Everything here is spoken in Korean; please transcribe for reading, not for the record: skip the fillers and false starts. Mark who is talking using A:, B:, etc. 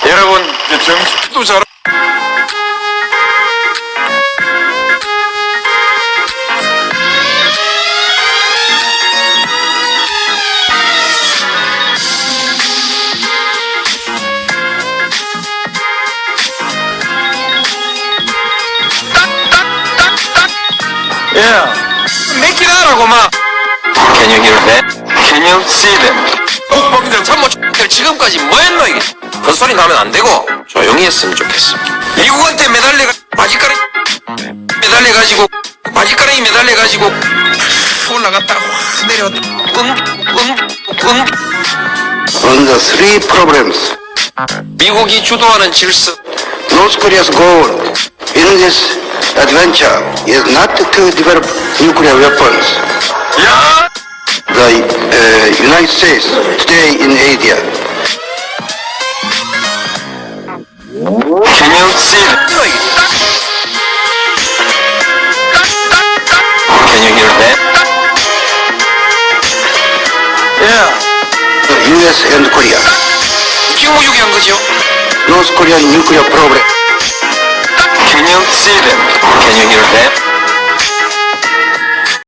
A: 여러분, 이제 정신도 잘. Yeah.
B: 몇 하라고 막.
A: Can you hear that? Can you see them?
B: 국방장 참모 X들 지금까지 뭐했노 이게. 헛소리 나면 안 되고 조용히 했으면 좋겠어. 미국한테 매달려 바지가랑이 매달려가지고 바지가랑이 매달려가지고 올라갔다 확 내려왔다.
C: On the three problems,
B: 미국이 주도하는 질서.
C: North Korea's goal in this adventure is not to develop nuclear weapons.
A: Yeah.
C: The United States stay in Asia.
A: Can you see them? Can you hear that? Yeah.
C: The US and Korea.
B: 직무유기한 거죠.
C: North Korean nuclear problem.
A: Can you see them? Can you hear that?